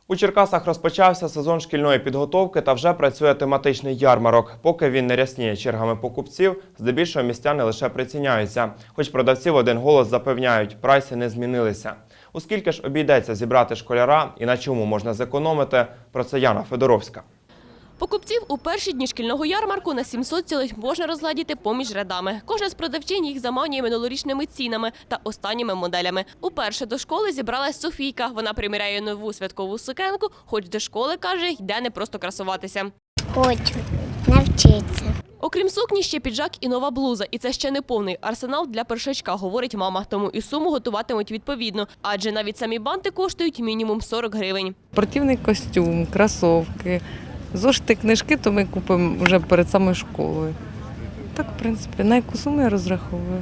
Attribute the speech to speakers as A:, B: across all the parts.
A: У Черкасах розпочався сезон шкільної підготовки та вже працює тематичний ярмарок. Поки він не рясніє чергами покупців, здебільшого містяни лише приціняються. Хоч продавці в один голос запевняють, прайси не змінилися. У скільки ж обійдеться зібрати школяра і на чому можна зекономити, про це Яна Федоровська.
B: Покупців у перші дні шкільного ярмарку на 700 цілих можна розглядіти поміж рядами. Кожна з продавчинь їх заманює минулорічними цінами та останніми моделями. Уперше до школи зібралась Софійка. Вона приміряє нову святкову сукенку, хоч до школи, каже, йде не просто красуватися.
C: Хочу навчитися.
B: Окрім сукні, ще піджак і нова блуза. І це ще не повний арсенал для першачка, говорить мама. Тому і суму готуватимуть відповідно. Адже навіть самі банти коштують мінімум 40 гривень.
D: Спортивний костюм, кросівки, зошити, книжки, то ми купимо вже перед самою школою. Так, в принципі, на яку суму я розраховую?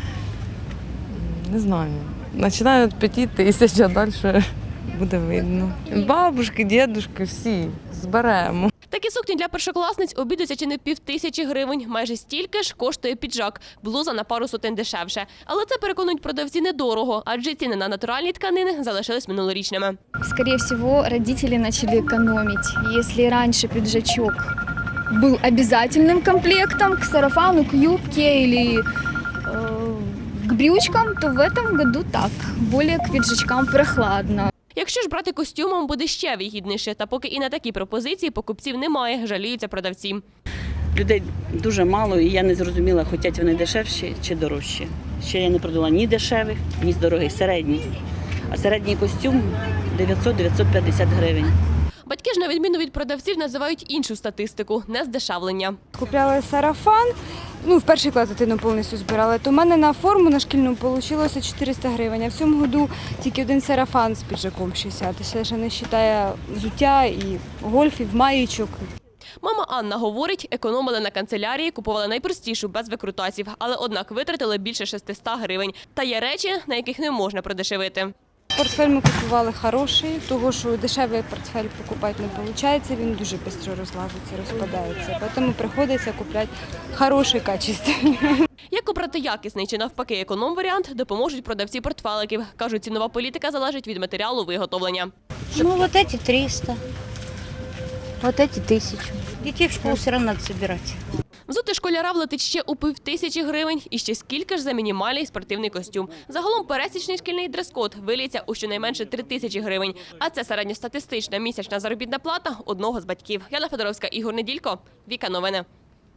D: Не знаю. Починаю від 5 тисяч, а далі буде видно. Бабушки, дідушки, всі зберемо.
B: Такі сукні для першокласниць обійдуться чи не 5000 гривень. Майже стільки ж коштує піджак. Блуза на пару сотень дешевше. Але це, переконують продавці, недорого, адже ціни на натуральні тканини залишились минулорічними.
E: Скорее всего, родители начали экономить. Если раньше пиджачок был обязательным комплектом к сарафану, к юбке или к брючкам, то в этом году так. Более к пиджачкам прохладно.
B: Якщо ж брати костюмом, буде ще вигідніше. Та поки і на такі пропозиції покупців немає, жаліються продавці.
F: Людей дуже мало, і я не зрозуміла, хочуть вони дешевші чи дорожчі. Ще я не продала ні дешевих, ні дорогих, середніх. А середній костюм 900-950 гривень.
B: Батьки ж, на відміну від продавців, називають іншу статистику – нездешевлення.
G: Купляла сарафан, в перший клас дитину повністю збирала, то в мене на форму на шкільну вийшло 400 гривень, а в цьому году тільки один сарафан з піджаком 60, це ще не вважає взуття і гольфів, маєчок.
B: Мама Анна говорить, економили на канцелярії, купували найпростішу, без викрутасів, але однак витратили більше 600 гривень. Та є речі, на яких не можна продешевити.
G: Портфель ми купували хороший, того що дешевий портфель покупати не виходить, він дуже швидко розлазиться, розпадається. Тому приходиться купувати хороший, качественний.
B: Як обрати якісний чи навпаки економ-варіант, допоможуть продавці портфеликів. Кажуть, цінова політика залежить від матеріалу виготовлення.
H: Вот эти 300, вот эти 1000. Детей в школу все равно надо собирать.
B: Взути школяра влетить ще у 5000 гривень і ще скільки ж за мінімальний спортивний костюм. Загалом пересічний шкільний дрес-код виліться у щонайменше 3000 гривень. А це середньостатистична місячна заробітна плата одного з батьків. Яна Федоровська, Ігор Неділько, Віка Новини.